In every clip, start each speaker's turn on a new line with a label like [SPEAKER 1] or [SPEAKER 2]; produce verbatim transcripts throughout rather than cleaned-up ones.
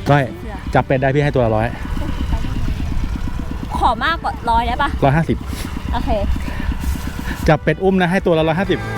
[SPEAKER 1] ก้อยจับเป็ดได้พี่ให้ตัวละร้อย
[SPEAKER 2] ขอมากกว่าร้อยได้ปะ
[SPEAKER 1] ร้อยห้าสิบ
[SPEAKER 2] โอเค
[SPEAKER 1] จับเป็ดอุ้มนะให้ตัวละร้อยห้าสิบ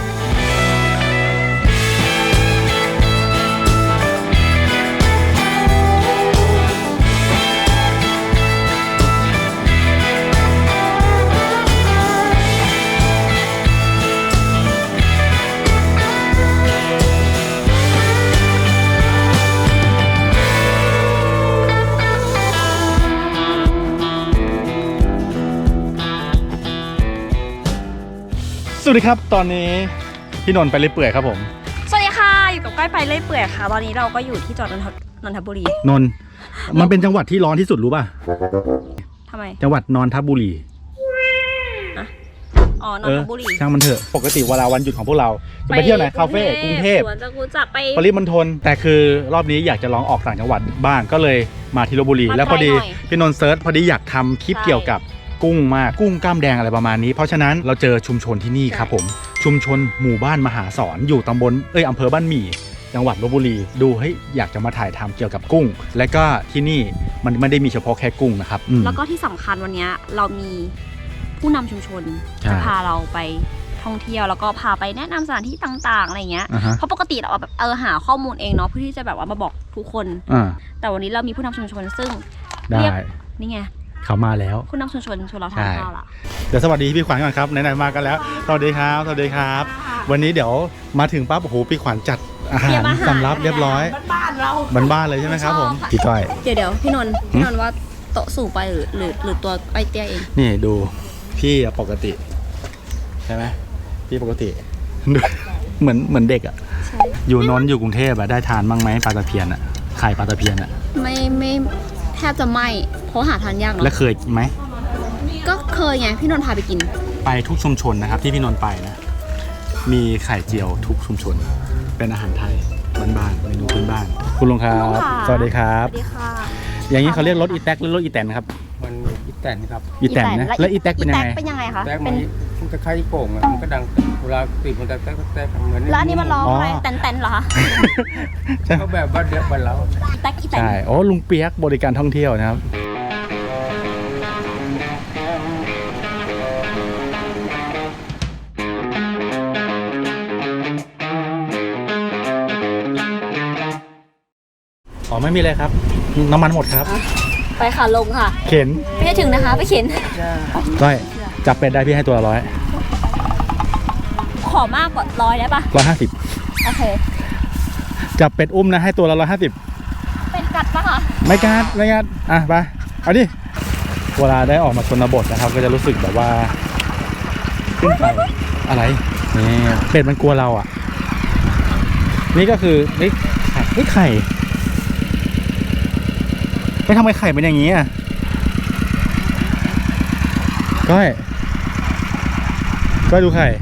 [SPEAKER 1] สวัสดีครับตอนนี้พี่นนท์ไปเรื่อยเปื่อยครับผม
[SPEAKER 2] สวัสดีค่ะอยู่กับก้อยไปเรื่อยเปื่อยค่ะตอนนี้เราก็อยู่ที่จังหวัดนนทบุรี
[SPEAKER 1] นนท์มันเป็นจังหวัดที่ร้อนที่สุดรู้ป่ะ
[SPEAKER 2] ทำไม
[SPEAKER 1] จังหวัดนนทบุรี
[SPEAKER 2] อะอ๋อนนทบุรี
[SPEAKER 1] ช่างมันเถอะปกติเวลาวันหยุดของพวกเราจะไปเที่ยวไหนคาเฟ่กรุงเทพ
[SPEAKER 2] สวนจตุจักรไป
[SPEAKER 1] ปริมณฑลแต่คือรอบนี้อยากจะลองออกต่างจังหวัดบ้างก็เลยมาที่ลพบุรีแล้วพอดีพี่นนท์เซิร์ชพอดีอยากทำคลิปเกี่ยวกับกุ้งมากกุ้งกล้ามแดงอะไรประมาณนี้เพราะฉะนั้นเราเจอชุมชนที่นี่ครับผมชุมชนหมู่บ้านมหาสอนอยู่ตำบลเอ้ยอำเภอบ้านหมี่จังหวัดลพบุรีดูให้อยากจะมาถ่ายทำเกี่ยวกับกุ้งและก็ที่นี่มันไม่ได้มีเฉพาะแค่กุ้งนะครับ
[SPEAKER 2] แล้วก็ที่สำคัญวันนี้เรามีผู้นำชุมชนจะพาเราไปท่องเที่ยวแล้วก็พาไปแนะนำสถานที่ต่างๆอะไรเงี้ยเพราะปกติเราแบบเออหาข้อมูลเองเนาะเพื่อที่จะแบบว่ามาบอกทุกคนแต่วันนี้เรามีผู้นำชุมชนซึ่งเรียกนี่ไง
[SPEAKER 1] เขามาแล้ว
[SPEAKER 2] ผู้นำชุมชนชวนเราทานข้าวละ
[SPEAKER 1] เดี๋ยวสวัสดีพี่ขวัญก่อนครับไหนๆมากันแล้วสวัสดีครับสวัสดีครับวันนี้เดี๋ยวมาถึงปั๊บโอ้โหพี่ขวัญจัดอาหารสำรับเรียบร้อย
[SPEAKER 2] บ้านเรา
[SPEAKER 1] บ้านๆเลยใช่ไหมครับผมพี่ก้อย
[SPEAKER 2] เดี๋ยวเดี๋ยวพี่นนท์พี่นนท์ว่าโต๊ะสูงไปหรือหรือหรือตัวไอเตี้ยเอง
[SPEAKER 1] นี่ดูพี่ปกติใช่ไหมพี่ปกติเหมือนเหมือนเด็กอ่ะอยู่นนท์อยู่กรุงเทพอะได้ทานบ้างไหมปลาตะเพียนอะไข่ปลาตะเพียนอะ
[SPEAKER 2] ไม่ไม่แทบจะไม่เพราะหาทานยากเนาะ
[SPEAKER 1] แล้วเคยไหม
[SPEAKER 2] ก็เคยไงพี่นนท์พาไปกิน
[SPEAKER 1] ไปทุกชุมชนนะครับที่พี่นนท์ไปนะมีไข่เจียวทุกชุมชนเป็นอาหารไทยบ้านๆเมนูพื้นบ้านคุณลุงครับสวัสดีครับ
[SPEAKER 2] สวัสดีค่ะ
[SPEAKER 1] อย่างนี้เขาเรียกรถอีแท็กหรือรถอีแตนครับ
[SPEAKER 3] มันอีแตนครับ
[SPEAKER 1] อีแตนนะแล้วอีแท็กเป็นยังไง
[SPEAKER 2] เป็นยังไงคะ
[SPEAKER 3] แท็กมันมันจะคล้ายโป่งอ่ะมันก็ดังเวลาติดมันจะแท็กแท็กเหมือน
[SPEAKER 2] แล้วอันนี้มันร้องอะไรแตนแตนเหรอคะ
[SPEAKER 3] ก็แบบบ้านเดียวบ้านเรา
[SPEAKER 2] แท็กอีแตน
[SPEAKER 1] ใช่โอ้ลุงเปียกบริการท่องเที่ยวนะครับอ๋อไม่มีเลยครับน้ำมันหมดครับ
[SPEAKER 2] ไปค่ะลงค่ะ
[SPEAKER 1] เข็น
[SPEAKER 2] ไม่ให้ถึงนะคะไปเข็น
[SPEAKER 1] ก้อยจับเป็ดได้พี่ให้ตัวละร้อย
[SPEAKER 2] ขอมากกว่าร้อยได้ปะ
[SPEAKER 1] ร้อยห้าสิบ
[SPEAKER 2] โอเค
[SPEAKER 1] จับเป็ดอุ้มนะให้ตัวละร้อยห้าสิบ
[SPEAKER 2] เป็ดกัดปะคะ
[SPEAKER 1] ไม่กัดไม่กัดอ่ะไปเอาดิเวลาได้ออกมาชนบทนะครับก็จะรู้สึกแบบว่าขึ้นไปอะไรนี่เป็ดมันกลัวเราอ่ะนี่ก็คือนี่นี่ไข่ไม่ทำไมไข่เป็นอย่างนี้อ่ะก้อยก้อยดูไข่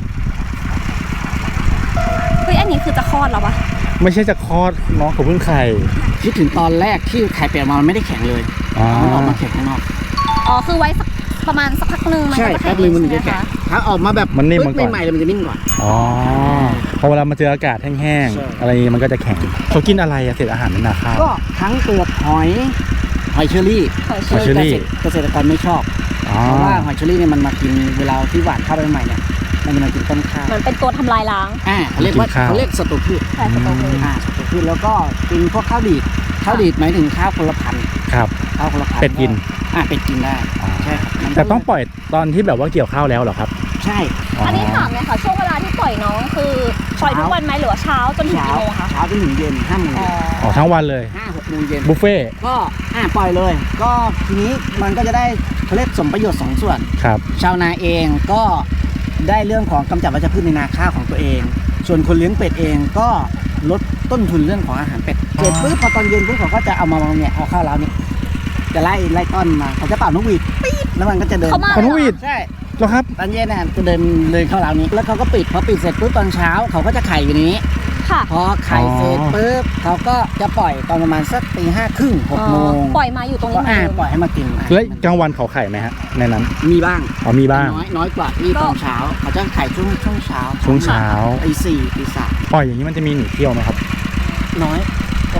[SPEAKER 2] เฮ้ยอันนี้คือจะคลอดแล้วปะ
[SPEAKER 1] ไม่ใช่จะคลอดน้องเขาเพิ่งไข่
[SPEAKER 4] คิดถึงตอนแรกที่ไข่เป็ดมามันไม่ได้แข็งเลยมันออกมาแข็งข้างนอก
[SPEAKER 2] อ๋อคือไว้สักประมาณสักพักหนึ่ง
[SPEAKER 4] มันจะแข็งเลยมันจะแข็งถ้าออกมาแบบ
[SPEAKER 1] มันนิ่ม
[SPEAKER 4] ใหม่ๆเลยมันจะนิ่มกว่า
[SPEAKER 1] อ๋อพอเวลามาเจออากาศแห้งๆอะไรมันก็จะแข็งเขากินอะไรอะเศษอาหารในนาข้าว
[SPEAKER 4] ก็ทั้งเปลือกหอยหอยเชอรี่
[SPEAKER 1] หอยเชอรี่
[SPEAKER 4] เกษตรกรไม่ชอบเพราะว่าหอยเชอรี่เนี่ยมันมากินเวลาที่หว่านข้าวใหม่ๆเนี่ยมันจะมากินต้นข้าว
[SPEAKER 2] มันเป็นตัวทำลายล้าง
[SPEAKER 4] อ่าเขาเรียกว่าเขาเรียกศัตรูพืช
[SPEAKER 2] ใช่ศัตรูพืช
[SPEAKER 4] อ่าศัตรูพืชแล้วก็กินพวกข้าวดีดข้าวดีดหมายถึงข้าวคนละพันธุ์
[SPEAKER 1] ครับ
[SPEAKER 4] ข้าวคนละพันธุ์
[SPEAKER 1] เป็ดกิน
[SPEAKER 4] อ่าเป็ดกินได้ใช่ครับ
[SPEAKER 1] แต่ต้องปล่อยตอนที่แบบว่าเกี่ยวข้าวแล้วเหรอครับ
[SPEAKER 4] ใช่
[SPEAKER 2] อันนี้ถามเลยค่ะช่วงเวลาที่ปล่อยน้องคือปล่อยทุกวันไหมหรือว่าเช้าจนถึงกี่โมงคะ
[SPEAKER 4] เช้าจนถึงเย็นห้าโมง
[SPEAKER 1] อ๋อทั้งวันเลย
[SPEAKER 4] ห้าหกโมงเย็น
[SPEAKER 1] บุฟเฟ่
[SPEAKER 4] ก็อ่าปล่อยเลยก็ทีนี้มันก็จะได้เขาเรียกสมประโยชน์สองส่วน
[SPEAKER 1] ครับ
[SPEAKER 4] ชาวนาเองก็ได้เรื่องของกำจัดวัชพืชในนาข้าวของตัวเองส่วนคนเลี้ยงเป็ดเองก็ลดต้นทุนเรื่องของอาหารเป็ดเสร็จปุ๊บพอตอนเย็นปุ๊บเขาก็จะเอามาเนี่ยเอาข้าวเราเนี่ยจะไล่ไล่ต้นมาเขาจะเป่านกหวีดปี๊ดแล้วมันก็จะเดิน
[SPEAKER 2] เป่
[SPEAKER 1] านกหวีด
[SPEAKER 4] ใช่
[SPEAKER 1] เหรอครับ
[SPEAKER 4] ตอนเย็นน่ะจะเดินเลยเข้าเรานี้แล้วเขาก็ปิดพอปิดเสร็จปุ๊บตอนเช้าเขาก็จะไข่อยู่นี้พอไข่เสร็จปุ๊บเขาก็จะปล่อยตอนประมาณสักตีห้าครึ่งหกโมง
[SPEAKER 2] ปล่อยมาอยู่ตรงนี้
[SPEAKER 4] อ่าปล่อยให้มากิน
[SPEAKER 1] แล้วกลางวันเขาไข่ไหมฮะในนั้น
[SPEAKER 4] มีบ้าง
[SPEAKER 1] อ๋อมีบ้าง
[SPEAKER 4] น้อยน้อยกว่านี่ตอนเช้าเขาจะไข่ช่วงช่วงเช้า
[SPEAKER 1] ช่วงเช้า
[SPEAKER 4] ตีสี่ตีสาม
[SPEAKER 1] ปล่อยอย่างนี้มันจะมีหนีเที่ยวไหมครับ
[SPEAKER 4] น้อยโอเค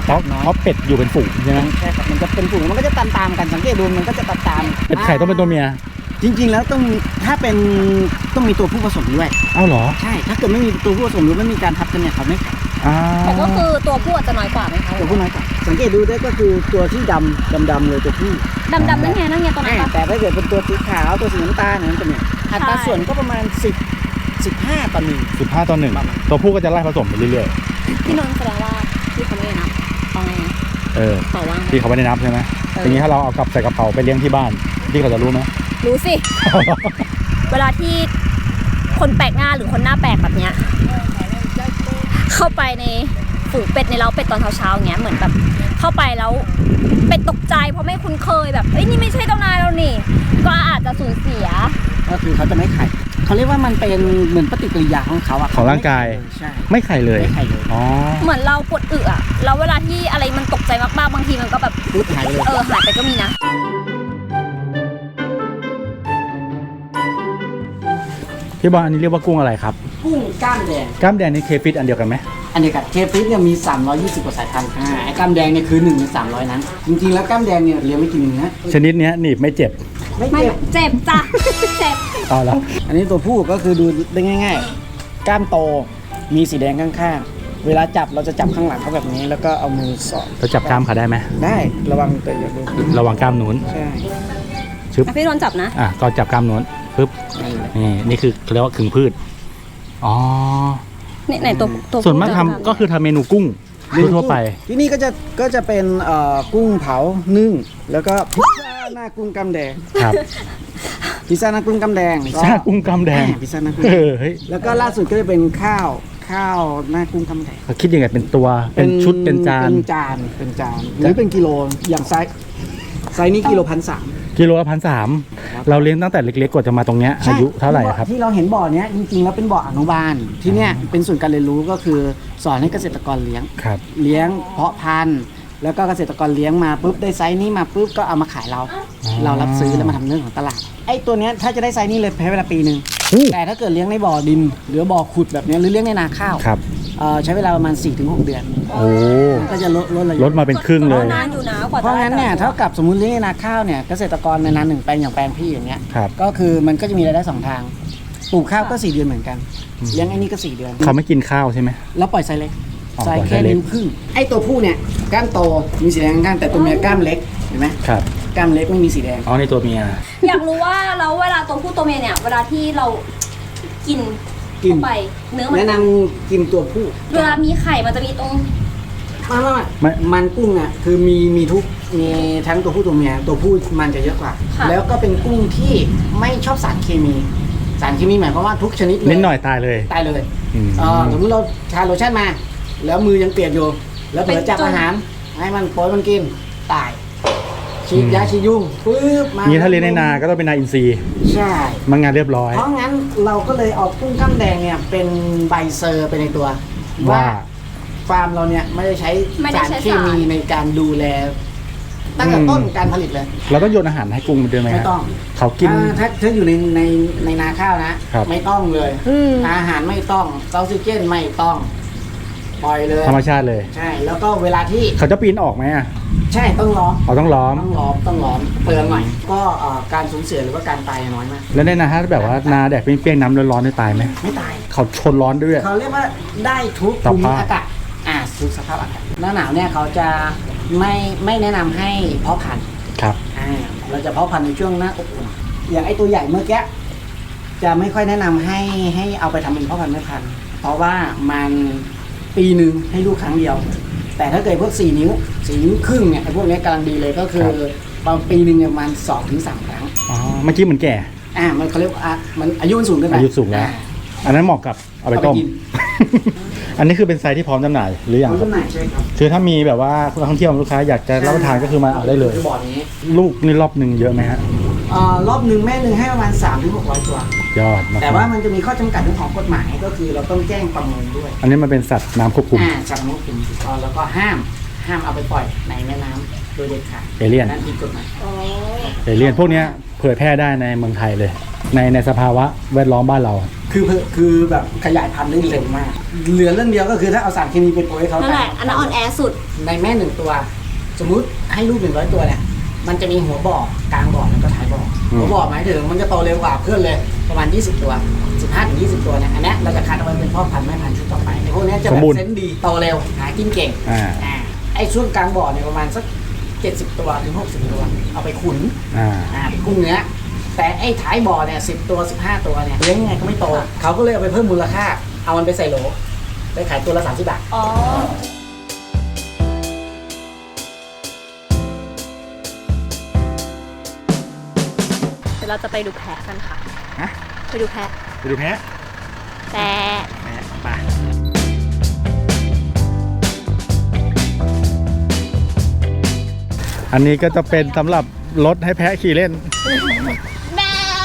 [SPEAKER 1] เพราะ
[SPEAKER 4] น้อย
[SPEAKER 1] เพราะเป็ดอยู่เป็นฝูงใช่ไหม
[SPEAKER 4] ใช่ครับมันจะเป็นฝูงมันก็จะตามตามๆกันสังเกตดูมันก็จะตามตามๆ
[SPEAKER 1] เป็ดไข่ต้องเป็นตัวเมีย
[SPEAKER 4] จริง ๆ แล้วต้องมีถ้าเป็นต้องมีตัวผู้ผสมด้วย
[SPEAKER 1] เอ้าเหรอ
[SPEAKER 4] ใช่ถ้าเกิดไม่มีตัวผู้ผสมหรือไม่มีการทับกันเนี่ยเขาไม่ไข่
[SPEAKER 1] อ่า
[SPEAKER 2] แต่ก็คือตัวผู้อาจจะน้อยกว่าไหมคะ
[SPEAKER 4] ตัวผู้น้อยกว่าสังเกตดูได้ก็คือตัวที่ดำดำดำๆเลยตัวผู้
[SPEAKER 2] ดำดำๆนั่นไงนั่นไงตัวนั้นปะ
[SPEAKER 4] แต่ถ้าเกิดเป็นตัวสีขาวตัวสีน้ำตาลเนี่ยมันจะเนี่ยอัตราส่วนก็ประมาณสิบ สิบห้าต่อหนึ่ง
[SPEAKER 1] สิบห้าต่อหนึ่งตัวผู้ก็จะไล่ผสมไปเรื่อย
[SPEAKER 2] พี่นนท์แสดงว่าพี่เขาไม่ได้นับเอาไง
[SPEAKER 1] ๆเออ
[SPEAKER 2] ต่อว่างไหม
[SPEAKER 1] ที่เขาไม่ได้นับใช่ไหม
[SPEAKER 2] เออ
[SPEAKER 1] อย่างนี้ถ้าเราเอากลับใส่กระเป๋าไปเลี้ยงที่บ้านที่เขาจะรู้ไหม
[SPEAKER 2] รู้สิ เวลาที่คนแปลกหน้าหรือคนหน้าแปลกแบบเนี้ยเข้าไปในฝูงเป็ดในเล้าเป็ดตอนเช้าๆอย่างเงี้ยเหมือนแบบเข้าไปแล้วเป็ดตกใจเพราะไม่คุ้นเคยแบบเอ้ยนี่ไม่ใช่เจ้านายเรานี่ ก็อาจจะสูญเสีย
[SPEAKER 4] ก็คือเขาจะไม่ไข่เขาเรียกว่ามันเป็นเหมือนปฏิกิริยาของเขาอะ
[SPEAKER 1] ของร่างกาย
[SPEAKER 4] ใช่
[SPEAKER 1] ไม่ไข่เลย
[SPEAKER 4] ไม่ไข่เลย
[SPEAKER 1] อ๋อ
[SPEAKER 2] เหมือนเราปวดอึอะแล้วเวลาที่อะไรมันตกใจมากๆบางทีมันก็แบบ
[SPEAKER 4] ปุ๊บหายไปเลย
[SPEAKER 2] เออหายไปก็มีนะ
[SPEAKER 1] พี่บอลอันนี้เรียกว่ากุ้งอะไรครับ
[SPEAKER 4] กุ้งกล้ามแดง
[SPEAKER 1] กล้ามแดงนี่เคฟิตอันเดียวกันไหม
[SPEAKER 4] อันเดียวกับเคฟิสเนี่ยมีสามร้อยยี่สิบกว่าสายพันธุ์อ่าไอ้กล้ามแดงเนี่ยคือหนึ่งในสามร้อยนั้น จริงๆแล้วกล้ามแดงเนี่ยเลี้ยงไม่กินเนื้อ
[SPEAKER 1] ชนิดเนี้ยหนีบไม่เจ็บ
[SPEAKER 4] ไม่
[SPEAKER 2] ไม่
[SPEAKER 4] เจ็บ
[SPEAKER 2] เจ็บจ้ะเจ็บ
[SPEAKER 1] เอาแล้ว
[SPEAKER 4] อันนี้ตัวผู้ก็คือดูได้ง่าย ๆ กล้ามโตมีสีแดงข้างๆเวลาจับเราจะจับข้างหลังเขาแบบนี้ แล้วก็เอามือสอด
[SPEAKER 1] เราจับกล้ามเขาได้ไหม
[SPEAKER 4] ได้ระวังแต่อย่าดู
[SPEAKER 1] ระวังกล้ามนู้น
[SPEAKER 4] ใช่
[SPEAKER 1] ชึบ
[SPEAKER 2] อ่ะพี่นนท์จับนะ
[SPEAKER 1] อ่ะก็จับกล้ามนู้นปึ๊บ
[SPEAKER 4] นั่นแหละ
[SPEAKER 1] นี่นี่คือเขาเรียกว่าขึงพืชอ๋อ
[SPEAKER 2] เนี่ยไหนตัวตัว
[SPEAKER 1] ส่วนมากทำก็คือทำเมนูกุ้งทั่วๆไป
[SPEAKER 4] ที่นี่ก็จะก็จะเป็นเอ่อกุ้งเผานึ่งแล้วก็พิซซ่าหน้ากุ้งกำแดง
[SPEAKER 1] ครับ
[SPEAKER 4] พิซซ่าหน้ากุ้งกำแดง
[SPEAKER 1] พิซซ่ากุ้งกล้ามแดง
[SPEAKER 4] พิซซ่าหน้ากุ้ง
[SPEAKER 1] เออเฮ้ย
[SPEAKER 4] แล้วก็ล่าสุดก็จะเป็นข้าวข้าวหน้ากุ้งกำแดง
[SPEAKER 1] เขาคิดยังไงเป็นตัวเป็นชุดเป็นจาน
[SPEAKER 4] เป็นจานเป็นจานหรือเป็นกิโลอย่างไซส์ไซส์นี้กิโลพันสาม
[SPEAKER 1] กิโลละพันสามเราเลี้ยงตั้งแต่เล็กๆกว่าจะมาตรงเนี้ยอายุเท่าไหร่ครับ
[SPEAKER 4] ที่เราเห็นบ่อเนี้ยจริงๆแล้วเป็นบ่ออนุบาลที่เนี้ยเป็นศูนย์การเรียนรู้ก็คือสอนให้เกษตรกรเลี้ยง
[SPEAKER 1] ครับ
[SPEAKER 4] เลี้ยงเพาะพันธุ์แล้วก็เกษตรกรเลี้ยงมาปุ๊บได้ไซส์นี้มาปุ๊บก็เอามาขายเรา เรารับซื้อแล้วมาทำเรื่องของตลาดไอ้ตัวเนี้ยถ้าจะได้ไซส์นี้เลยใช้เวลาปีหนึ่ง
[SPEAKER 1] อู้
[SPEAKER 4] แต่ถ้าเกิดเลี้ยงในบ่อดินหรือบ่อขุดแบบเนี้ยหรือเลี้ยงในนาข้าว
[SPEAKER 1] ครับ
[SPEAKER 4] เอ่อใช้เวลาประมาณ สี่ถึงหก เดือน
[SPEAKER 1] โอ้
[SPEAKER 4] ก็จะลดลดระยะ
[SPEAKER 1] ลดมาเป็นครึ่งเลย
[SPEAKER 2] นานอยู่นะกว่า
[SPEAKER 4] เพราะงั้นเนี่ยเท่ากับสมมติเลี้ยงในนาข้าวเนี่ยเกษตรกรในนาหนึ่งแปลงอย่างแปลงพี่อย่างเงี้ย
[SPEAKER 1] ครับ
[SPEAKER 4] ก็คือมันก็จะมีรายได้สองทางปลูกข้าวก็สี่เดือนเหมือนกันเลี้ยงไอ้นี่ก็สี่เดือน
[SPEAKER 1] เขาไม่กินข้าวใช่ไหม
[SPEAKER 4] แล้วปล่อยไซส์เล็ก
[SPEAKER 1] อ๋อ
[SPEAKER 4] ไซส์
[SPEAKER 1] ปล่อยไซ
[SPEAKER 4] แค่
[SPEAKER 1] ส์เล็ก
[SPEAKER 4] นิ้วครึ่งไอ้ตัวผู้เนี่ยกล้ามโตมีสีแดงข้างๆแต่ตัวเมียกล้ามเล็กเห็นไหม
[SPEAKER 1] ครับ
[SPEAKER 4] กล้ามเล็กไม่มีสีแดง
[SPEAKER 1] อ๋อในตัวเมีย
[SPEAKER 2] อยากรู้ว่าแล้วเวลาตัวผู้ตัวเมียเนี่ยเวลาที่เรากิน
[SPEAKER 4] กิน
[SPEAKER 2] เข้าไปเนื้อมัน
[SPEAKER 4] แนะนำกินตัวผู้
[SPEAKER 2] เวลามีไข่มันจะมีตรง
[SPEAKER 4] ไมาไม่
[SPEAKER 1] ไม่
[SPEAKER 4] มันกุ้งอ่ะคือมีมีทุกมีทั้งตัวผู้ตัวเมียตัวผู้มันจะเยอะกว่า
[SPEAKER 2] ค่ะ
[SPEAKER 4] แล้วก็เป็นกุ้งที่ไม่ชอบสารเคมี สารเคมีหมายความว่าทุกชนิดเลย
[SPEAKER 1] นิดหน่อยตายเลย
[SPEAKER 4] ตายเลย
[SPEAKER 1] อืม
[SPEAKER 4] เออสมมติเราทาโลชั่นมา แล้วมือยังเปียกอยู่ แล้วเผลอจับอาหารให้มันโปรยมันกินตายฉีดยาฉีดยุงปึ๊บมา
[SPEAKER 1] นี่ถ้าเลี้ยงในนาก็ต้องเป็นนาอินทรีย์
[SPEAKER 4] ใช่
[SPEAKER 1] มันงานเรียบร้อย
[SPEAKER 4] เพราะงั้นเราก็เลยเอากุ้งกล้ามแดงเนี่ยเป็นใบเซอร์ไปในตัว
[SPEAKER 1] ว่า
[SPEAKER 4] ฟาร์มเราเนี่ยไม่ได้ใช้
[SPEAKER 2] ไม่ได้
[SPEAKER 4] สาร
[SPEAKER 2] ใช้
[SPEAKER 4] เค
[SPEAKER 2] สาร
[SPEAKER 4] มีในการดูแล ตั้งแต่ต้นการผลิตเลย
[SPEAKER 1] เราต้องโยนอาหารให้กุ้งมันด้วยไหม
[SPEAKER 4] ไม่
[SPEAKER 1] ฮะ
[SPEAKER 4] ต้อง
[SPEAKER 1] เขากิน
[SPEAKER 4] ถ้าถ้าถ้าอยู่ในในในนาข้าวนะ
[SPEAKER 1] ครับ
[SPEAKER 4] ไม่ต้องเลย
[SPEAKER 2] อืม
[SPEAKER 4] อาหารไม่ต้องออกซิเจนไม่ต้อง ปล่อยเลย
[SPEAKER 1] ธรรมชาติเลย
[SPEAKER 4] ใช่ แล้วก็เวลาที่
[SPEAKER 1] เขาจะปีนออกไหมอ่ะ
[SPEAKER 4] ใช่ต้องล้อม
[SPEAKER 1] เขาต้องล้อม
[SPEAKER 4] ต้องล้อมต้องล้อมเปลืองหน่อยก็เอ่อการสูญเสียหรือว่าการตายน้อยมาก
[SPEAKER 1] แล้วในนาถ้าแบบว่านาแดดเปรี้ยงๆน้ำร้อนๆได้ตายไหม
[SPEAKER 4] ไม่ตาย
[SPEAKER 1] เขาชนร้อนด้วย
[SPEAKER 4] เขาเรียกว่าได้ทุก
[SPEAKER 1] ส
[SPEAKER 4] ภูมิ
[SPEAKER 1] ภาพ
[SPEAKER 4] อากาศอ่าทุกสภาพอากาศหน้าหนาวเนี่ยเขาจะไม่ไม่แนะนำให้เพาะพันธุ์
[SPEAKER 1] ครับ
[SPEAKER 4] อ่าเราจะเพาะพันธุ์ในช่วงหน้าอบอุ่นอย่างไอตัวใหญ่เมื่อกี้จะไม่ค่อยแนะนำให้ให้เอาไปทำเป็นเพาะพันธุ์แม่พันธุ์เพราะว่ามันปีหนึ่งให้ลูกครั้งเดียว แต่ถ้าเกิดพวกสี่นิ้วสี่นิ้วครึ่งเนี่ยไอพวกเนี้ยกำลังดีเลยก็คือประมาณปีหนึ่งเนี่ยประมาณสองถึงสามครั้ง
[SPEAKER 1] อ๋อ เมื่อกี้เหมือนแก่
[SPEAKER 4] อ่ามันเขาเรียกว่าอ่ะมันอายุมันสูงขึ้นไป
[SPEAKER 1] อายุสูงแล้ว
[SPEAKER 4] อ่า
[SPEAKER 1] อันนั้นเหมาะกับเอาไปต้ม
[SPEAKER 4] เอาไปกิน
[SPEAKER 1] อันนี้คือเป็นไซส์ที่พร้อมจำหน่ายหรือยัง
[SPEAKER 4] มัน
[SPEAKER 1] ครั
[SPEAKER 4] จำ
[SPEAKER 1] บ
[SPEAKER 4] หน่ายใช่ครับ
[SPEAKER 1] คือถ้ามีแบบว่านักท่องเที่ยวลูกค้าอยากจะรับประทานก็คือมาเอาได้เลย
[SPEAKER 4] คือบ่อนี้
[SPEAKER 1] ลูกนี่รอบหนึ่งเยอะไหมฮะ
[SPEAKER 4] เอ่อรอบหนึ่งแม่หนึ่งให้ประมาณสามถึงหกร้อยตัว
[SPEAKER 1] ยอดมาก
[SPEAKER 4] แต่ว่ามันจะมีข้อจำกัดเรื่องของกฎหมายก็คือเราต้องแจ้งประเมินด้วย
[SPEAKER 1] อันนี้มันเป็นสัตว์น้ำควบคุม
[SPEAKER 4] อ่าจากน้องคุมถูกต้องแล้วก็ห้ามห้ามเอาไปปล่อยในแม่น้ำโดยเด็ดขาด
[SPEAKER 1] เอเลี่ยน
[SPEAKER 4] นั่นผิดกฎหมาย
[SPEAKER 1] เอเลี่ยนพวกเนี้ยเผยแพร่ได้ในเมืองไทยเลย ในในสภาวะแวดล้อมบ้านเรา
[SPEAKER 4] คือคือแบบขยายพันธุ์ได้เร็วมาก เหลือเรื่องเดียวก็คือถ้าเอาสารเคมีไปโปรยให้เขา
[SPEAKER 2] นั่นแหละอันนั้นอ่อนแอสุด
[SPEAKER 4] ในแม่หนึ่งตัว สมมุติให้ลูกหนึ่งร้อยตัวเนี่ยมันจะมีหัวบ่อกลางบ่อแล้วก็ท้ายบ่อหัวบ่อหมายถึงมันจะโตเร็วกว่าเพื่อนเลยประมาณยี่สิบตัวสิบห้าถึงยี่สิบตัวเนี่ยอันนี้เราจะคัดเอาไว้เป็นพ่อพันธุ์แม่พันธุ์ชุดต่อไปไอ้พวกนี้จะแบบเซนส์ดีโตเร็วหากินเก่ง
[SPEAKER 1] อ่า
[SPEAKER 4] อ่าไอ้ช่วงกลางบ่อเนี่ยประมาณสักเจ็ดสิบตัวถึงหกสิบตัวเอาไปขุน
[SPEAKER 1] อ่า
[SPEAKER 4] อ่าเป็นกุ้งเนื้อแต่ไอ้ท้ายบ่อเนี่ยสิบตัวสิบห้าตัวเนี่ยเลี้ยงยังไงก็ไม่โตเขาก็เลยเอาไปเพิ่มมูลค่าเอามันไปใส่โหลไปขายตัวละสามสิบบาท
[SPEAKER 2] อ๋อ เดี๋ยวเราจะไปดูแพะกันค่ะ
[SPEAKER 1] ฮะ
[SPEAKER 2] ไปดูแพะ
[SPEAKER 1] ไปดูแพะ
[SPEAKER 2] แต่
[SPEAKER 1] แพะไป อันนี้ก็จะเป็นสำหรับรถให้แพะขี่เล่น
[SPEAKER 2] แม่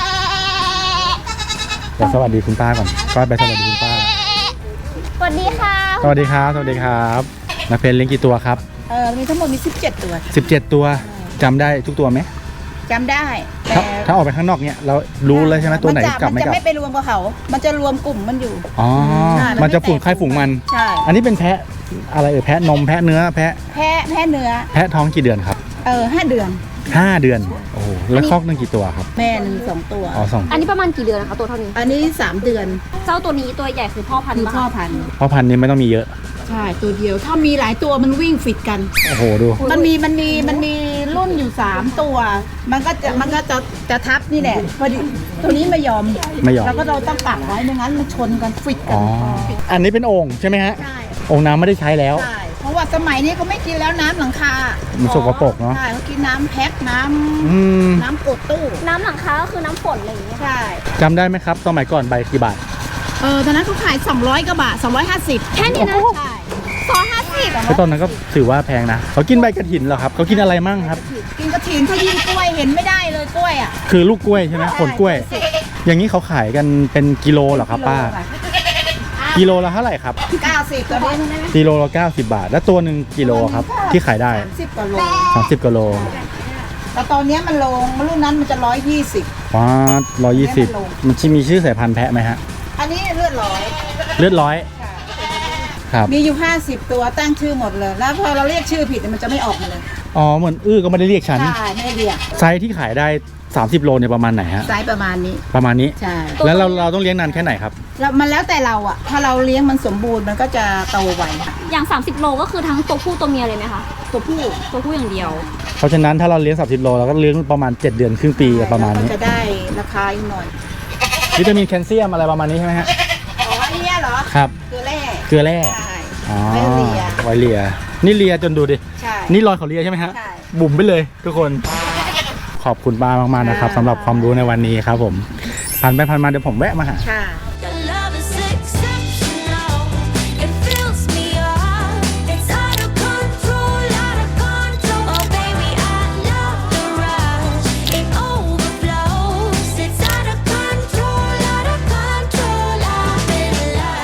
[SPEAKER 1] เดี๋ยวสวัสดีคุณป้าก่อนป้าไปสวัสดีคุณป้า
[SPEAKER 2] สวัสดีค่ะ
[SPEAKER 1] สวัสดีครับ สวัสดีครับนักเพนเลี้ยงกี่ตัวครับ
[SPEAKER 5] เออมีทั้งหมดมีสิบเจ็ดตัว
[SPEAKER 1] สิบเจ็ดตัวจำได้ทุกตัวไหม
[SPEAKER 5] จำได้
[SPEAKER 1] ถ้าถ้าออกไปข้างนอกเนี่ยเรารู้เลยใช่ไหมตัวไหน
[SPEAKER 5] มัจะ
[SPEAKER 1] กลับไม่
[SPEAKER 5] มัน
[SPEAKER 1] กลับ
[SPEAKER 5] จะไม่ไปรวมกับเขา มันจะรวมกลุ่มมันอยู่
[SPEAKER 1] อ๋อ
[SPEAKER 5] ใช่มัน
[SPEAKER 1] มันจะ
[SPEAKER 5] ไม่
[SPEAKER 1] ฝูง
[SPEAKER 5] แตก
[SPEAKER 1] ใครฝูงมัน
[SPEAKER 5] ใช่
[SPEAKER 1] อันนี้เป็นแพะอะไรเออแพะนมแพะเนื้อแพะ
[SPEAKER 5] แพ้แพ้เนื้อ
[SPEAKER 1] แพะท้องกี่เดือนครับ
[SPEAKER 5] เออห้าเดือน
[SPEAKER 1] ห้าเดือนโอ้โหแล้วคอกหนึงกี่ตัวครับ
[SPEAKER 5] แม่หนึ่งสองตัว
[SPEAKER 1] อ๋อสอง
[SPEAKER 2] อันนี้ประมาณกี่เดือนนะคะตัวเท่านี้
[SPEAKER 5] อันนี้สามเดือน
[SPEAKER 2] เจ้าตัวนี้ตัวใหญ่คือพ่อพันธุ์
[SPEAKER 5] คือ
[SPEAKER 2] ปะ
[SPEAKER 5] พ่อพันธุ์
[SPEAKER 1] เพราะพันธุ์นี้ไม่ต้องมีเยอะ
[SPEAKER 5] ใช่ตัวเดียว ถ้ามีหลายตัวมันวิ่งฟิตกัน
[SPEAKER 1] โอ้โหดู
[SPEAKER 5] มันมีมันมีมันมีรุ่นอยู่สามตัว มันก็จะมันก็จะจะทับนี่แหละพอดีตัวนี้ไม่ยอม
[SPEAKER 1] ไม่ยอม
[SPEAKER 5] เราก็เราต้องปักไว้ไม่งั้นมันชนกันฟิตกั
[SPEAKER 1] อ๋
[SPEAKER 5] น
[SPEAKER 1] ออันนี้เป็นโอ่งใช่ไหมฮะ
[SPEAKER 5] ใช่
[SPEAKER 1] โอ่งน้ำไม่ได้ใช้แล้ว
[SPEAKER 5] ใช่เพราะว่าสมัยนี้เขาไม่กินแล้วน้ำหลังคา
[SPEAKER 1] มันสกปรกเนาะ
[SPEAKER 5] ใช่เขากินน้ำแพ็คน้
[SPEAKER 1] อืม
[SPEAKER 5] ำน้ำกดตู้
[SPEAKER 2] น้ำหลังคาก็คือน้ำฝนอะไรอย่างเงี้ยค่ะ
[SPEAKER 5] ใช่
[SPEAKER 1] จำได้ไหมครับสมัยก่อนใบกี่บาท
[SPEAKER 5] เออตอนนั้นเขาขายสองร้อยกว่าบาทสองร้อยห้าสิบ
[SPEAKER 2] แค่นี้นะ
[SPEAKER 5] ใช่
[SPEAKER 2] ซอยห้าสิบ
[SPEAKER 1] แล้วตอนนั้นก็ถือว่าแพงนะเขากินใบกระถินเหรอครับเขากินอะไรมั่งครับ
[SPEAKER 5] กินกระถินเขายิงกล้วยเห็นไม่ได้เลยกล้วยอ่ะ
[SPEAKER 1] คือลูกกล้วยใช่ไหมผลกล้วย อย่างนี้เขาขายกันเป็นกิโลเหรอครับป้า กิโลละเท่าไหร่ครับ
[SPEAKER 5] เก้าสิบตัวนี้
[SPEAKER 1] กิโลละเก้าสิบบาท แล้วตัวหนึ่งกิโลครับที่ขายได้
[SPEAKER 5] สิบกว่าโล
[SPEAKER 1] สามสิบกิโล
[SPEAKER 5] แต่ตอนเนี้ยมันลงรุ่นนั้นมันจะร้อยยี่สิบ
[SPEAKER 1] ว้าร้อยยี่สิบมันมีชื่อสายพันธุ์แพะไหมฮะ
[SPEAKER 5] อันนี้เลือดร้อย
[SPEAKER 1] เลือดร้อยครับ
[SPEAKER 5] มีอยู่ห้าสิบตัวตั้งชื่อหมดเลย แล้วพอเราเรียกชื่อผิดมันจะไม่ออกมาเลย
[SPEAKER 1] อ๋อเหมือนอื้อก็ไม่ได้เรียกฉัน
[SPEAKER 5] ใช่ไม่ได้เรียก
[SPEAKER 1] ไซส์ที่ขายได้สามสิบโลเนี่ยประมาณไหนฮะ
[SPEAKER 5] ไซส์ประมาณนี้
[SPEAKER 1] ประมาณนี้
[SPEAKER 5] ใช่
[SPEAKER 1] แล้วเราเราต้องเลี้ยงนานแค่ไหนครับ
[SPEAKER 5] แล้วมันแล้วแต่เราอ่ะ ถ้าเราเลี้ยงมันสมบูรณ์มันก็จะโตไว
[SPEAKER 2] อย่างสามสิบโลก็คือทั้งตัวผู้ตัวเมียเลยไหมคะ ตัวผู้ ตัวผู้อย่างเดียว
[SPEAKER 1] เพราะฉะนั้นถ้าเราเลี้ยงสามสิบโลเราก็เลี้ยงประมาณเจ็ดเดือนครึ่งปีประมาณนี้
[SPEAKER 5] แล้วก็จะได้ราคาอีกหน่อย
[SPEAKER 1] วิตามินแคลเซียมอะไรประมาณนี้ใช่ไหมฮะ
[SPEAKER 5] อ๋ออันเนี้ยเหรอ
[SPEAKER 1] ครับ
[SPEAKER 5] คือแร่
[SPEAKER 1] เกลือแร่
[SPEAKER 5] ใช่
[SPEAKER 1] อ๋อ
[SPEAKER 5] ไว้เลีย
[SPEAKER 1] ไวเลียนี่เลียจนดูดิ
[SPEAKER 5] ใช่
[SPEAKER 1] นี่รอยเขาเลียใช่ไหมฮะ
[SPEAKER 5] ใช่
[SPEAKER 1] บุ๋มไปเลยทุกคน ขอบคุณป้ามากๆนะครับ
[SPEAKER 5] ค่ะ
[SPEAKER 1] สำหรับความรู้ในวันนี้ครับผมผ่านไปผ่านมาเดี๋ยวผมแวะมาหา
[SPEAKER 5] ค่ะ
[SPEAKER 6] Your love is exceptional. It fills me up. It's out of control, out of control. Oh baby, I love the rush. It overflows. It's out of control, out of control. I'm in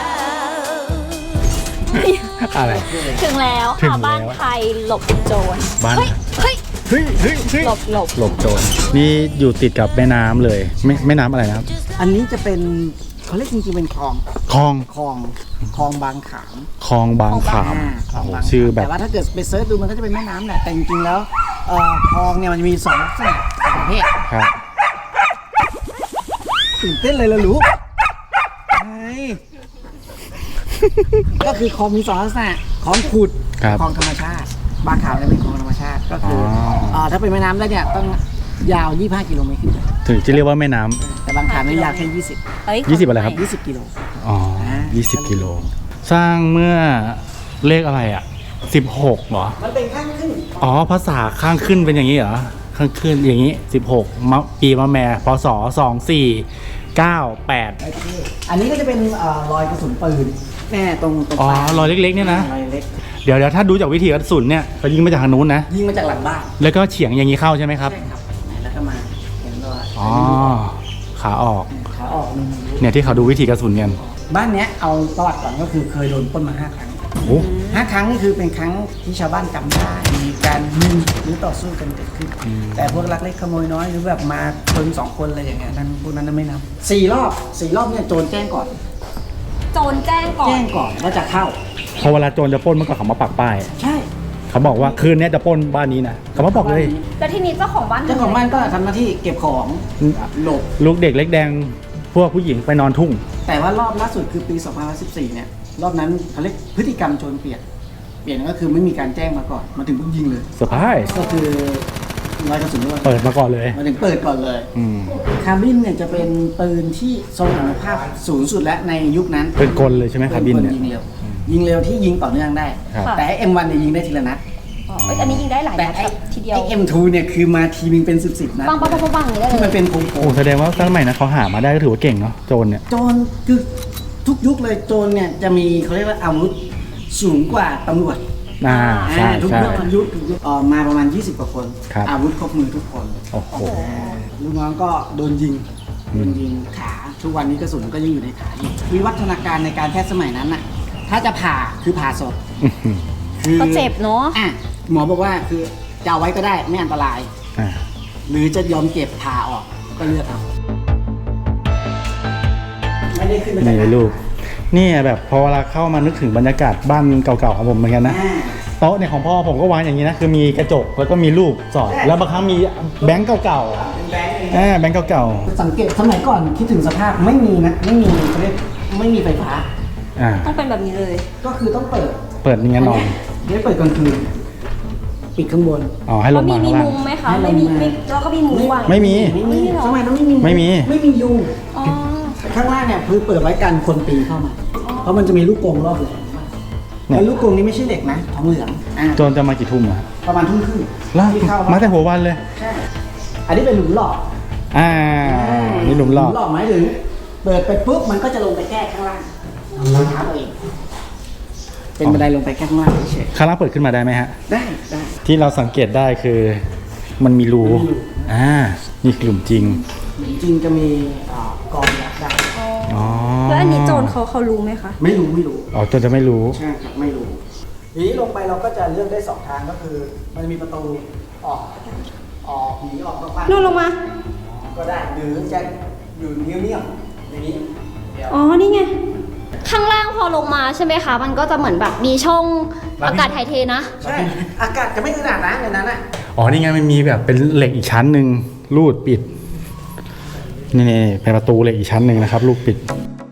[SPEAKER 6] love.
[SPEAKER 1] อะไร
[SPEAKER 2] ถึงแล้ว
[SPEAKER 1] ถึง
[SPEAKER 2] ค่ะ
[SPEAKER 1] แล้ว
[SPEAKER 2] บ้านไทยหลบโจร
[SPEAKER 1] บ้าน
[SPEAKER 2] เฮ้ย เฮ้ย
[SPEAKER 1] เฮ้ยเฮ้ยเฮ้ย
[SPEAKER 2] หลบหลบ
[SPEAKER 1] หลบโจรนี่อยู่ติดกับแม่น้ำเลยแม่แม่น้ำอะไรนะครับ
[SPEAKER 4] อันนี้จะเป็นเขาเรียกจริงๆเป็นคลอง
[SPEAKER 1] คลอง
[SPEAKER 4] คลองคลองบางขาม
[SPEAKER 1] คลองบางขาม
[SPEAKER 4] คลอง
[SPEAKER 1] โอ้โห
[SPEAKER 4] บางขาม
[SPEAKER 1] ชื่อแบบ
[SPEAKER 4] แต่ว่าถ้าเกิดไปเซิร์ชดูมันก็จะเป็นแม่น้ำแหละแต่จริงๆแล้วเอ่อคลองเนี่ยมันจะมีสองลักษณะสองประเภท
[SPEAKER 1] ครับ
[SPEAKER 4] ตื่นเต้นเลยละลูกใช่ก็คือคลองมีสองลักษณะคลองขุด
[SPEAKER 1] ครับ
[SPEAKER 4] คลองธรรมชาติ บางขามเนี่ยเป็นคลองธรรมชาติก็คืออ
[SPEAKER 1] อ
[SPEAKER 4] เอ่อถ้าเป็นแม่น้ำแล้วเนี่ยต้องยาวยี่สิบห้ากิโลเมตรขึ้นไป
[SPEAKER 1] ถึงจะเรียกว่าแม่น้ำ
[SPEAKER 4] แต่บางขามเนี่ยยาวแค่ยี่สิบ
[SPEAKER 2] เฮ้ย
[SPEAKER 1] ยี่สิบอะไรครับ
[SPEAKER 4] ยี่สิบกิโล
[SPEAKER 1] อ๋อ
[SPEAKER 4] อ่า
[SPEAKER 1] ยี่สิบกิโล สร้างเมื่อเลขอะไรอ่ะสิบหกเหรอ
[SPEAKER 4] มันเป็นข้างขึ้น
[SPEAKER 1] อ๋อ ภาษาข้างขึ้นเป็นอย่างนี้เหรอ ข้างขึ้นอย่างนี้สิบหกมะปีมะแม่พศสองสี่เก้าแปด
[SPEAKER 4] โอเคอันนี้ก็จะเป็นเอ่อรอยกระสุนปืนแน่ตรงตรง
[SPEAKER 1] อ๋อ
[SPEAKER 4] ปลาย
[SPEAKER 1] รอยเล็กๆเนี่ยนะ
[SPEAKER 4] รอยเล็ก
[SPEAKER 1] เดี๋ยวเดี๋ยวถ้าดูจากวิธีกระสุนเนี่ยเขายิงมาจากทางนู้นนะ
[SPEAKER 4] ยิงมาจากหลังบ้าน
[SPEAKER 1] แล้วก็เฉียงอย่างนี้เข้าใช่ไหมครับ
[SPEAKER 4] ใช่ครับแล้วก็มาเห็นรอย
[SPEAKER 1] อ๋อ ขาออก
[SPEAKER 4] ขาออกมี
[SPEAKER 1] เนี่ยที่เขาดูวิธีกระสุนกัน
[SPEAKER 4] บ้านเนี้ยเอาประวัติก่อนก็คือเคยโดนปล้นมาห้าครั้ง
[SPEAKER 1] โอ้
[SPEAKER 4] ห้าครั้งนี่คือเป็นครั้งที่ชาวบ้านจำได้มีการยิงหรือต่อสู้กันเกิดขึ้น แต่พวกลักเล็กขโมยน้อยหรือแบบมาคนสองคนอะไรอย่างเงี้ยนั้นพวกนั้นไม่นับสี่รอบสี่รอบเนี่ยโจรแจ้งก่อน
[SPEAKER 2] โจรแจ้งก่อน
[SPEAKER 4] แจ้งก่อนว่าจะเข้า
[SPEAKER 1] พอเวลาโจรจะปล้นเมื่อก่อนเขามาปักป้าย
[SPEAKER 4] ใช่
[SPEAKER 1] เขาบอกว่าคืนนี้จะปล้นบ้านนี้นะเขามาบอกเลย
[SPEAKER 2] แล้วทีนี้เจ้าของบ้าน
[SPEAKER 4] เจ้าของบ้านก็ทำหน้าที่เก็บของหลบ
[SPEAKER 1] ลูกเด็กเล็กแดงพวกผู้หญิงไปนอนทุ่ง
[SPEAKER 4] แต่ว่ารอบล่าสุดคือปีสองพันสิบสี่เนี่ยรอบนั้นเขาเรียกพฤติกรรมโจรเปลี่ยนเปลี่ยนก็คือไม่มีการแจ้งมาก่อนมาถึงปุ๊บยิงเลย
[SPEAKER 1] เซอร์ไพรส์
[SPEAKER 4] ก็คือรอยกระสุนด้วย
[SPEAKER 1] เปิดมาก่อนเลย
[SPEAKER 4] มาถึงเปิดก่อนเลย
[SPEAKER 1] อืม
[SPEAKER 4] คาร์บินเนี่ยจะเป็นปืนที่ทรงอนุภาพสูงสุดและในยุคนั้น
[SPEAKER 1] เป็นกลเลยใช่ไหมคาร์บินเนี่ย
[SPEAKER 4] ยิงเร็วยิงเร็วที่ยิงต่อเนื่องได้
[SPEAKER 1] ครับ
[SPEAKER 4] แต่ไอ้ เอ็ม วัน เนี่ยยิงได้ทีละนัด
[SPEAKER 2] อ๋อเอ้ยอันนี้ยิงได้หลาย
[SPEAKER 4] แต่
[SPEAKER 2] นัด
[SPEAKER 4] ไอ้
[SPEAKER 2] แบบทีเดียว
[SPEAKER 4] ไอ้ เอ็ม ทู เนี่ยคือมาทีนึงเป็นสิบสิบนัด
[SPEAKER 2] ปังปังปังปังปังอย่างนี้ได้
[SPEAKER 4] ที่
[SPEAKER 2] เล
[SPEAKER 4] มัน
[SPEAKER 2] ย
[SPEAKER 4] เป็นโค้ง
[SPEAKER 1] โอ้แสดงว่าสมัยนั้นเขาหามาได้ก็ถือว่าเก่งเนาะโจรเนี่ย
[SPEAKER 4] ๆโจรคือทุกยุคเลยโจรเนี่ยจะมีเขาเรียกว่าอาวุธสูงกว่าตำรวจ
[SPEAKER 1] อ่าใช่
[SPEAKER 4] อ่าทุก
[SPEAKER 1] ใช่
[SPEAKER 4] ยุคทุกยุคทุกยุคเอ่อมาประมาณยี่สิบกว่าคน
[SPEAKER 1] ครับ
[SPEAKER 4] อาวุธครบมือทุกคน
[SPEAKER 1] โอ้โห
[SPEAKER 4] ลูกน้องก็โดนยิง
[SPEAKER 1] อื
[SPEAKER 4] โด
[SPEAKER 1] ม
[SPEAKER 4] นยิงขาทุกวันนี้กระสุนก็ยังอยู่ในขาอยู่วิวัฒนาการในการแพทย์สมัยนั้นน่ะถ้าจะผ่าคือผ่าศพ
[SPEAKER 1] อื้อหือ
[SPEAKER 4] คือ
[SPEAKER 2] ก็เจ็บเนาะ
[SPEAKER 4] อ่ะหมอบอกว่าคือจะเอาไว้ก็ได้ไม่อันตราย
[SPEAKER 1] อ่า
[SPEAKER 4] หรือจะยอมเก็บผ่าออกก็เลือกเอาไม่ได้ขึ้นมาจาก
[SPEAKER 1] นี่ลูกนี่แบบพอเวลาเข้ามานึกถึงบรรยากาศบ้านเก่าๆของผมเหมือนกันนะ
[SPEAKER 4] อ่า
[SPEAKER 1] โต๊ะเนี่ยของพ่อผมก็วางอย่างนี้นะคือมีกระจกแล้วก็มีรูปสอดแล้วบางครั้งมีแบงก์เก่า
[SPEAKER 4] เป็นแบงค์
[SPEAKER 1] ๆอ่าแบงก์เก่า
[SPEAKER 4] สังเกตสมัยก่อนคิดถึงสภาพไม่มีนะไม่มีเขาเรียกไม่มีไฟฟ้า
[SPEAKER 1] ๆอ่า
[SPEAKER 2] ต้องเป็นแบบนี้เลย
[SPEAKER 4] ก็คือต้องเปิด
[SPEAKER 1] เปิดอย่างงั้นนอน
[SPEAKER 4] เดี๋ยวเปิดกลางคืนปิดข้างบน
[SPEAKER 1] อ๋อให้ล
[SPEAKER 2] แล้ว
[SPEAKER 1] ง
[SPEAKER 2] มี
[SPEAKER 1] มา
[SPEAKER 2] มี
[SPEAKER 1] ข้างล่าง
[SPEAKER 2] มุมไหมคะ
[SPEAKER 4] ให้ลง
[SPEAKER 2] ไม่มี
[SPEAKER 4] มา
[SPEAKER 2] ไม่แล้วก็มีมุมวาง
[SPEAKER 1] ไม่มี
[SPEAKER 4] ไม่มี
[SPEAKER 2] ไม่มีหรอ
[SPEAKER 4] สมัยนั้นไม่มี
[SPEAKER 1] ไม่มี
[SPEAKER 4] ไม่มียุง
[SPEAKER 2] อ๋อ
[SPEAKER 4] ข้างล่างเนี่ยคือเปิดไว้กันคนปีนเข้ามา เพราะมันจะมีลูกกรงรอบเลยแล้วลูกกรงนี้ไม่ใช่เหล็กนะทองเหลืองอ่า
[SPEAKER 1] โจรจะมากี่ทุ่มอะ
[SPEAKER 4] ประมาณทุ่มครึ่ง
[SPEAKER 1] ล่า
[SPEAKER 4] ที่เข้า
[SPEAKER 1] มาแต่หัววันเลย
[SPEAKER 4] ใช่อันนี้เป็นหลุมหลอก
[SPEAKER 1] อ่านี่หลุมหลอก
[SPEAKER 4] หลอกหมายถึงเปิดไปปุ๊บมันก็จะลงไปแก้ข้างล่างรองเท้าตัวเองเป็นบันไดลงไปแค่ข้างล่างเฉย
[SPEAKER 1] ข้างล่างเปิดขึ้นมาได้ไหมฮะ
[SPEAKER 4] ๆได้ได้
[SPEAKER 1] ที่เราสังเกตได้คือมันมีรู
[SPEAKER 4] มันมีรู
[SPEAKER 1] อ่านี่คือหลุมจริง
[SPEAKER 4] จริงๆจะมีอ่ากองยักษ์ได้
[SPEAKER 1] อ๋อ
[SPEAKER 2] แล้วอันนี้โจรเขาเขารู้ไหมคะ
[SPEAKER 4] ไม่รู้ไม่รู้
[SPEAKER 1] อ๋อโจรจะไม่รู้
[SPEAKER 4] ใช่ครับไม่รู้ทีนี้ลงไปเราก็จะเลือกได้สองทางก็คือ มันจะมีประตูออกออกหนีออกนอกบ้าน
[SPEAKER 2] นู่นลงมา
[SPEAKER 4] ก็ได้หรือจะอยู่เงียบๆอย่างนี้เดี๋ยว
[SPEAKER 2] อ๋อ นี่ไง ข้างล่างพอลงมาใช่ไหมคะ มันก็จะเหมือนแบบมีช่องอากาศถ่ายเทนะ
[SPEAKER 4] ใช่อากาศจะไม่ขนาดนั้นในนั้นอ่ะ
[SPEAKER 1] อ๋อนี่ไงมันมีแบบเป็นเหล็กอีกชั้นหนึ่งรูดปิดนี่นี่เป็นประตูเหล็กอีกชั้นหนึ่งนะครับลูกปิด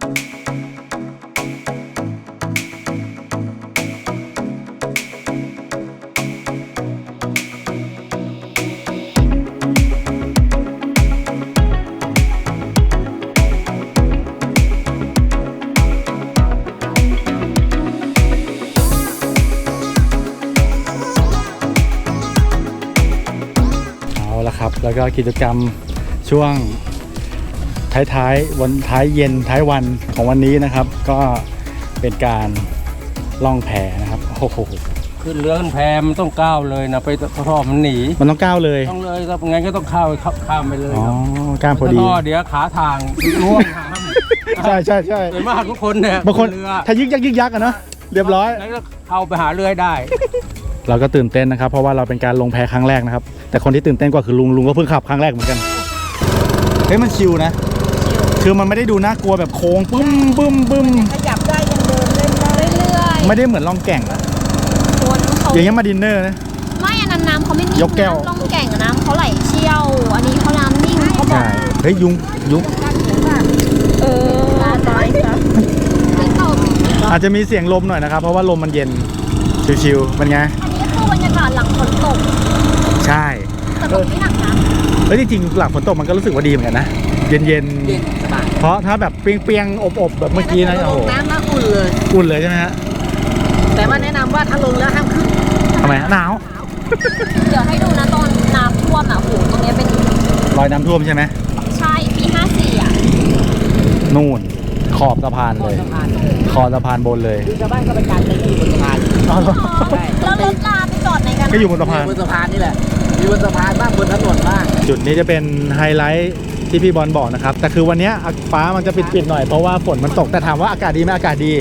[SPEAKER 1] เอาละครับ แล้วก็กิจกรรมช่วงท้ายๆวันท้ายเย็นท้ายวันของวันนี้นะครับ ก็เป็นการล่องแพนะครับโอ้โห
[SPEAKER 3] ขึ้นเรือขึ้นแพมันต้องก้าวเลยนะไปเพราะมันหนี
[SPEAKER 1] มันต้องก้าวเลย
[SPEAKER 3] ต้องเลยครับงั้นก็ต้องเข้าข้ามไปเลย
[SPEAKER 1] อ๋อ
[SPEAKER 3] ครับ
[SPEAKER 1] ก้ามพอดี
[SPEAKER 3] ถ้าเดี๋ยวขาทางร่วงหาม
[SPEAKER 1] ใช่ใช่ใช่
[SPEAKER 3] โดยมากทุกคนเนี่ย
[SPEAKER 1] บางคน
[SPEAKER 3] เรือ
[SPEAKER 1] ถ้ายึกยักยึกยักอะเนาะเรียบร้อย
[SPEAKER 3] แล้วก็เข้าไปหาเรือให้ได้
[SPEAKER 1] เราก็ตื่นเต้นนะครับ เพราะว่าเราเป็นการลงแพครั้งแรกนะครับ แต่คนที่ตื่นเต้นกว่าคือลุงลุงก็เพิ่งขับครั้งแรกเหมือนกันเฮ้ยมันชิลนะ คือมันไม่ได้ดูน่ากลัวแบบโค้งปึ้มปึ้มปึ้ม
[SPEAKER 5] ขยับได้ยังเดินเล่นได้
[SPEAKER 2] เรื่อย
[SPEAKER 1] ไม่ได้เหมือนล่องแก่งอะ
[SPEAKER 2] ๆคนเขา
[SPEAKER 1] อย่างเงี้ยมาดินเนอร์นะ
[SPEAKER 2] ไม่อันนั้นน้ำเขาไม่นิ่ง
[SPEAKER 1] ยกแก้ว
[SPEAKER 2] น้ำล่องแก่งอะน้ำเขาไหลเชี่ยว อันนี้เขาน้ำนิ่งเขาบอก
[SPEAKER 1] ใช่เฮ้ยยุงยุง
[SPEAKER 2] เออตายซะไม่ตก
[SPEAKER 1] อาจจะมีเสียงลมหน่อยนะครับ เพราะว่าลมมันเย็นชิวๆเป็นไง
[SPEAKER 2] อันนี้คือบรรยากาศหลังฝนตก
[SPEAKER 1] ใช่
[SPEAKER 2] แต่ตกไม่หนักนะ
[SPEAKER 1] เฮ้ยจริงๆหลังฝนตกมันก็รู้สึกว่าดีเหมือนกันนะเย็นเย็นๆเพราะถ้าแบบเปรียงๆอบๆแบบเมื่อกี้นะโอ้โห
[SPEAKER 4] น้ำน่าอุ่นเลย
[SPEAKER 1] อุ่นเลยใช่ไหมฮะ
[SPEAKER 4] แต่ว่าแนะนำว่าถ้าลงแล้วห้ามขึ้น
[SPEAKER 1] ทำไมหนาว
[SPEAKER 2] เดี๋ยวให้ดูนะตอนน้ำท่วมอ่ะโหตรงเนี้ยเป็น
[SPEAKER 1] รอยน้ำท่วมใช่ไหม
[SPEAKER 2] ใช่ปีห้าสี่อ่ะ
[SPEAKER 1] นู่นขอบสะพานเลย ขอบสะพานบนเลย
[SPEAKER 4] คือชาวบ้านก็ไปการเต้นอยู่บนสะพาน
[SPEAKER 1] อ๋อเหรอ
[SPEAKER 2] แล้วรถลาไปจอดไหนกัน
[SPEAKER 1] ก็อยู่บนสะพาน
[SPEAKER 4] บนสะพานนี่แหละอยู่บนสะพานบ้างบนถนนบ้าง
[SPEAKER 1] จุดนี้จะเป็นไฮไลท์ที่พี่บอลบอกนะครับ แต่คือวันเนี้ยฟ้ามันจะปิดๆหน่อยเพราะว่าฝนมันตกแต่ถามว่าอากาศดีไหมอากาศดี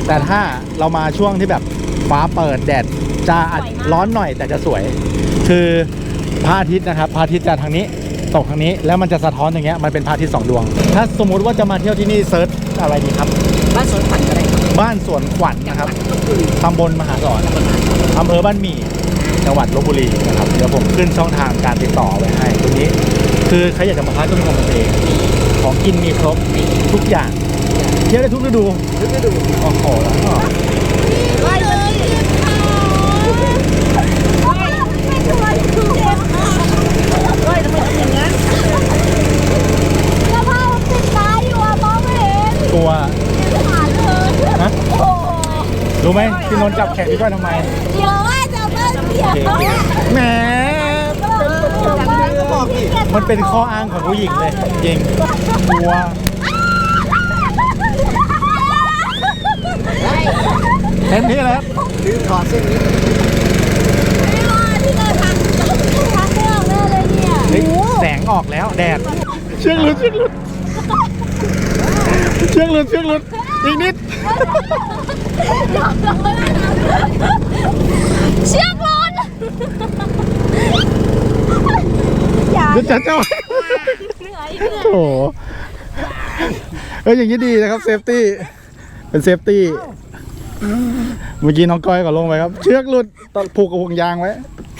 [SPEAKER 1] แต่ถ้าเรามาช่วงที่แบบฟ้าเปิดแดดจะอาจร้อนหน่อยแต่จะสวย คือพระอาทิตย์นะครับพระอาทิตย์จะทางนี้ตกทางนี้แล้วมันจะสะท้อนอย่างเงี้ยมันเป็นพระอาทิตย์สองดวง ถ้าสมมุติว่าจะมาเที่ยวที่นี่เซิร์ชอะไรดีครับ
[SPEAKER 4] บ้านสวนขวัญก็ได้ครับ
[SPEAKER 1] บ้านสวนขวัญนะครับตำบลมหาสอนอำเภอบ้านหมี่จังหวัดลพบุรีนะครับเดี๋ยวผมขึ้นช่องทางการติดต่อไว้ให้ตรงนี้ คือใครอยากจะมาพักก็มีของตัวเองของกินมีครบทุกอย่างเที่ยวได้ทุกฤดูทุกฤดูโอ้โหแล้วก็
[SPEAKER 2] ไปเลยไม่ช่วยคือเจ็บเฮ้ยทำไมทำอย่างนั้นแล้วพ่อติดตาอยู่อ่ะมองไม่เห็น
[SPEAKER 1] ตัว
[SPEAKER 2] ไม่ผ่านเลย
[SPEAKER 1] ฮะ
[SPEAKER 2] โอ้
[SPEAKER 1] รู้ไหมพี่นนท์จับแขนพี่ก้อยทำไม
[SPEAKER 2] เดี๋ยวว่าจะมาเสีย
[SPEAKER 1] แหมมันเป็นข้ออ้างของผู้หญิงเลยจริงกลัวเต็มที่แล้ว
[SPEAKER 4] ลืมถอดเส้นนี้
[SPEAKER 2] ไม่ว่าที่เราทำทำไม่ออกแน่เลยเนี่ย
[SPEAKER 1] เฮ้ยแสงออกแล้วแดดเชือกหลุดเชือกหลุดเชือกหลุดเชือกหลุดอีกนิด
[SPEAKER 2] เชือกหลุดอย่า
[SPEAKER 1] เดี๋ยวจะเจ้า
[SPEAKER 2] เหนื่อยเหนื่อย
[SPEAKER 1] โอ้โหเอ้ยอย่างนี้ดีนะครับเซฟตี้เป็นเซฟตี้เมื่อกี้น้องก้อยก็ลงไปครับเชือกหลุดตอนผูกกับห่วงยางไว้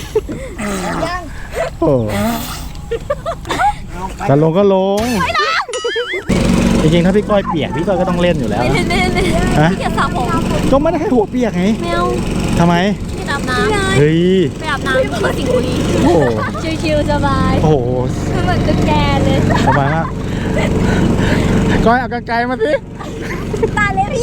[SPEAKER 1] โอ้จะลงก็ลงจริงๆถ้าพี่ก้อยเปียกพี่ก้อยก็ต้องเล่นอยู่แล้ว
[SPEAKER 2] เน่เน่เน่
[SPEAKER 1] ฮะ
[SPEAKER 2] พี่จะสระผม
[SPEAKER 1] ก็ไม่ได้ให้หัวเปียกไง
[SPEAKER 2] แมว
[SPEAKER 1] ทำไม
[SPEAKER 2] พี่อาบน้ำ
[SPEAKER 1] เฮ้ย
[SPEAKER 2] ไปอาบน้ำที่สิงห์บุรี
[SPEAKER 1] โอ้โห
[SPEAKER 2] ชิวๆสบาย
[SPEAKER 1] โอ้โห
[SPEAKER 2] คือเหมือนจะแกเลย
[SPEAKER 1] สบายมากก้อยเอากางไกลมาสิ
[SPEAKER 2] ตายเลยพี่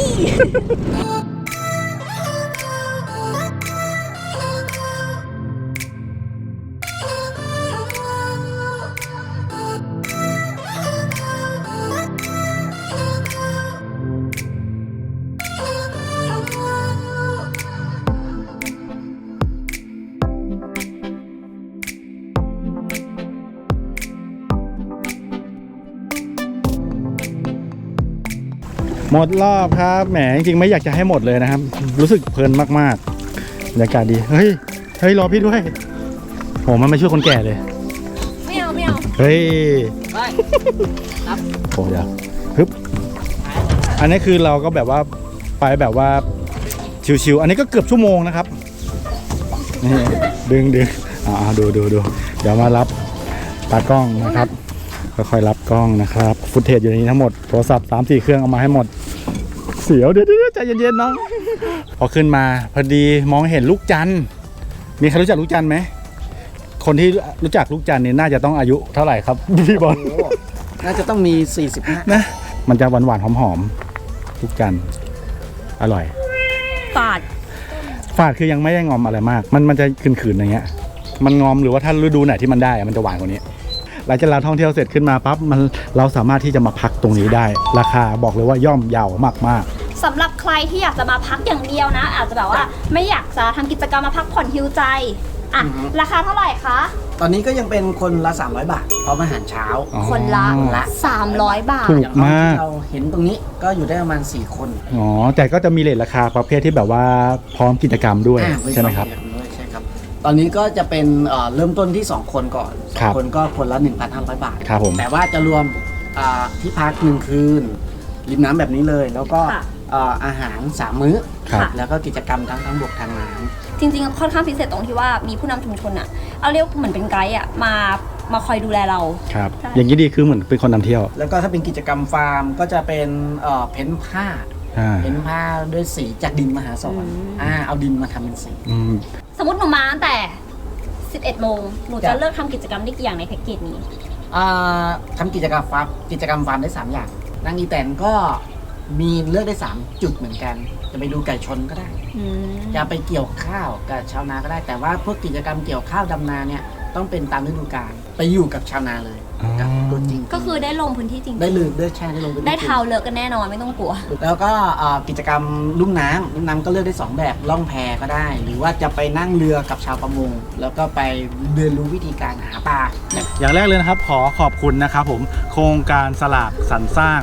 [SPEAKER 1] หมดรอบครับแหมจริงๆไม่อยากจะให้หมดเลยนะครับ รู้สึกเพลินมากๆบรรยากาศดีเฮ้ยเฮ้ยรอพี่ด้วยโหมันไม่ช่วยคนแก่เลย
[SPEAKER 2] ไม่เอาไม่เอา
[SPEAKER 1] เฮ้ย
[SPEAKER 4] ไปครับ
[SPEAKER 1] โอ้ยฮึบอันนี้คือเราก็แบบว่าไปแบบว่าชิวๆอันนี้ก็เกือบชั่วโมงนะครับนี่ดึงดึงอ่าดูดูดูเดี๋ยวมารับตากล้องนะครับค่อยๆรับกล้องนะครับฟุตเทจอยู่ในนี้ทั้งหมดโทรศัพท์สามสี่เครื่องเอามาให้หมดเสียวเดี๋ยวเดี๋ยวใจเย็นๆน้องพอขึ้นมาพอดีมองเห็นลูกจันทร์มีใครรู้จักลูกจันทร์ไหมคนที่รู้จักลูกจันทร์เนี่ยน่าจะต้องอายุเท่าไหร่ครับพี่บอล
[SPEAKER 4] โอ้น่าจะต้องมีสี่สิบห้า
[SPEAKER 1] นะมันจะหวานๆหอมๆลูกจันทร์อร่อย
[SPEAKER 2] ปาด
[SPEAKER 1] ฝาดคือยังไม่ได้งอมอะไรมาก มันมันจะขืนๆอย่างเงี้ยมันงอมหรือว่าถ้าฤดูไหนที่มันได้อะมันจะหวานกว่านี้หลังจากเราท่องเที่ยวเสร็จขึ้นมาปั๊บมันเราสามารถที่จะมาพักตรงนี้ได้ ราคาบอกเลยว่าย่อมเยาวมาก
[SPEAKER 2] สำหรับใครที่อยากจะมาพักอย่างเดียวนะ อาจจะแบบว่าไม่อยากจะทำกิจกรรมมาพักผ่อนฮิวใจอ่ะราคาเท่าไหร่คะ
[SPEAKER 4] ตอนนี้ก็ยังเป็นคนละสามร้อยบาทพร้อมอาหารเช้า
[SPEAKER 1] ๆอ๋อ
[SPEAKER 2] คนละ
[SPEAKER 4] ละ
[SPEAKER 2] สามร้อยบาท
[SPEAKER 1] ถูก
[SPEAKER 4] อย่างห้อง
[SPEAKER 1] มาก
[SPEAKER 4] ที่เราเห็นตรงนี้ก็อยู่ได้ประมาณสี่คน
[SPEAKER 1] อ๋อแต่ก็จะมีเรทราคาประเภทที่แบบว่าพร้อมกิจกรรมด้วย
[SPEAKER 4] อ่า
[SPEAKER 1] ใช่ไหมครับ
[SPEAKER 4] ด้วยใช่ครับ ตอนนี้ก็จะเป็นเอ่อเริ่มต้นที่สองคนก่อนส
[SPEAKER 1] ครั
[SPEAKER 4] อง
[SPEAKER 1] บ
[SPEAKER 4] คนก็คนละหนึ่งพันห้าร้อยบาท
[SPEAKER 1] ครับผม
[SPEAKER 4] แต่ว่าจะรวมอ่าที่พักหนึ่งคืนริมน้ำแบบนี้เลย แล้วก็
[SPEAKER 2] ค่ะ
[SPEAKER 4] เอ่ออาหารสามมื้อ
[SPEAKER 1] ครับ
[SPEAKER 4] แล้วก็กิจกรรมทั้งทั้งบกทางน้
[SPEAKER 2] จริงๆค่อนข้างพิเศษตรงที่ว่ามีผู้นำชุมชนอะเอาเรียกเหมือนเป็นไกด์อะมามาคอยดูแลเรา
[SPEAKER 1] ครับ
[SPEAKER 2] ใช่
[SPEAKER 1] อย่างนี้ดีคือเหมือนเป็นคนนำเที่ยว
[SPEAKER 4] ำแล้วก็ถ้าเป็นกิจกรรมฟาร์มก็จะเป็นเอ่อเพ้นผ้า
[SPEAKER 1] อ่า
[SPEAKER 4] เพ้นผ้าด้วยสีจากดินมหาสอนอ่าเอาดินมาทำเป็นสี
[SPEAKER 1] อืม
[SPEAKER 2] สมมติหนูมาตั้งแต่สิบเอ็ดโมงหนู
[SPEAKER 4] ครั
[SPEAKER 2] จะ
[SPEAKER 4] บ
[SPEAKER 2] เลิกทำกิจกรรมได้กี่อย่างในแพ็กเกจนี้
[SPEAKER 4] อ่าทำกิจกรรมฟาร์มกิจกรรมฟาร์มได้สามอย่างนางอีแตนก็มีเลือกได้สามจุดเหมือนกัน จะไปดูไก่ชนก็ได้
[SPEAKER 2] อืม
[SPEAKER 4] จะไปเกี่ยวข้าวกับชาวนาก็ได้ แต่ว่าพวกกิจกรรมเกี่ยวข้าวดำนาเนี่ยต้องเป็นตามฤดูกาลไปอยู่กับชาวนาเลยกับตัวจริง
[SPEAKER 2] ก็คือได้ลงพื้นที่จริงๆ
[SPEAKER 4] ได้เลยได้แช่ได้ลงไป
[SPEAKER 2] ได้เท้าเลิกกันแน่นอนไม่ต้องกลัว
[SPEAKER 4] แล้วก็อ่ากิจกรรมลุ่มน้ำลุ่มน้ำก็เลือกได้สองแบบล่องแพก็ได้ หรือว่าจะไปนั่งเรือกับชาวประมงแล้วก็ไปเรียนรู้วิธีการหาปลา
[SPEAKER 1] อย่างแรกเลยนะครับขอขอบคุณนะครับผมโครงการสลากสรรสร้าง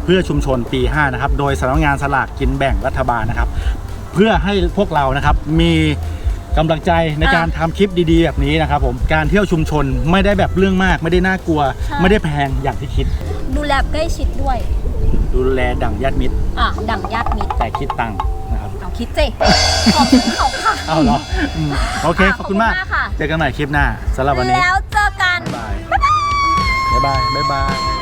[SPEAKER 1] เพื่อชุมชนปีห้านะครับโดยสำนักงานสลากกินแบ่งรัฐบาลนะครับเพื่อให้พวกเรานะครับมีกำลังใจในการทำคลิปดีๆแบบนี้นะครับผมการเที่ยวชุมชนไม่ได้แบบเรื่องมากไม่ได้น่ากลัว ไม่ได้แพงอย่างที่คิด
[SPEAKER 2] ดูแลใกล้ชิดด้วย
[SPEAKER 1] ดูแลดั่งญาติมิตร
[SPEAKER 2] อ่ะดั่งญาติมิตร
[SPEAKER 1] แต่คิดตังค์นะครับ
[SPEAKER 2] เอาคิดสิขอบคุณเขาค่ะ
[SPEAKER 1] เอาเหรออืมโอเค
[SPEAKER 2] อ่ะ
[SPEAKER 1] ขอบคุณมาก
[SPEAKER 2] ขอบคุณมากค่ะ
[SPEAKER 1] เจอกันใหม่คลิปหน้าสำหรับวันนี้
[SPEAKER 2] แล้วเจอกัน
[SPEAKER 1] บ๊ายบายบ๊ายบายบ๊ายบาย